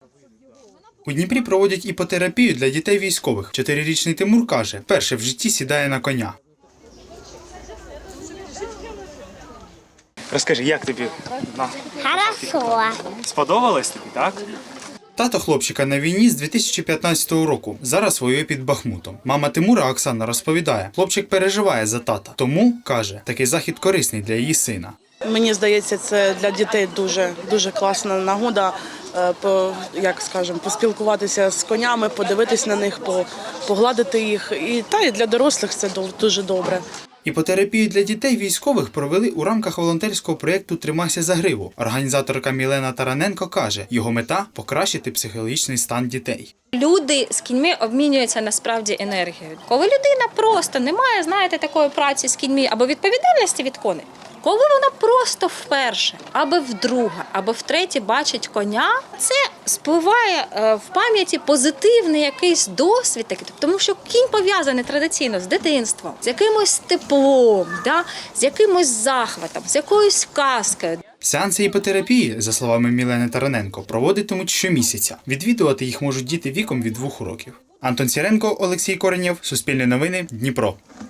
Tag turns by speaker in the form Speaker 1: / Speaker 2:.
Speaker 1: У Дніпрі проводять іпотерапію для дітей військових. 4-річний Тимур каже, вперше в житті сідає на коня. Розкажи, як тобі?
Speaker 2: Хорошо.
Speaker 1: Сподобалось тобі, так? Тато хлопчика на війні з 2015 року. Зараз воює під Бахмутом. Мама Тимура Оксана розповідає, хлопчик переживає за тата. Тому, каже, такий захід корисний для її сина.
Speaker 3: Мені здається, це для дітей дуже класна нагода, поспілкуватися з конями, подивитись на них, погладити їх. І для дорослих це дуже добре.
Speaker 1: Іпотерапію для дітей військових провели у рамках волонтерського проєкту «Тримайся за гриву». Організаторка Мілена Тараненко каже, його мета – покращити психологічний стан дітей.
Speaker 4: Люди з кіньми обмінюються насправді енергією. Коли людина просто не має, такої праці з кіньми або відповідальності від коней, коли вона просто вперше, або вдруге, або втретє бачить коня, це спливає в пам'яті позитивний якийсь досвід, тому що кінь пов'язаний традиційно з дитинством, з якимось теплом, з якимось захватом, з якоюсь казкою.
Speaker 1: Сеанси іпотерапії, за словами Мілени Тараненко, проводитимуть щомісяця. Відвідувати їх можуть діти віком від 2 років. Антон Сіренко, Олексій Коренєв, Суспільне новини, Дніпро.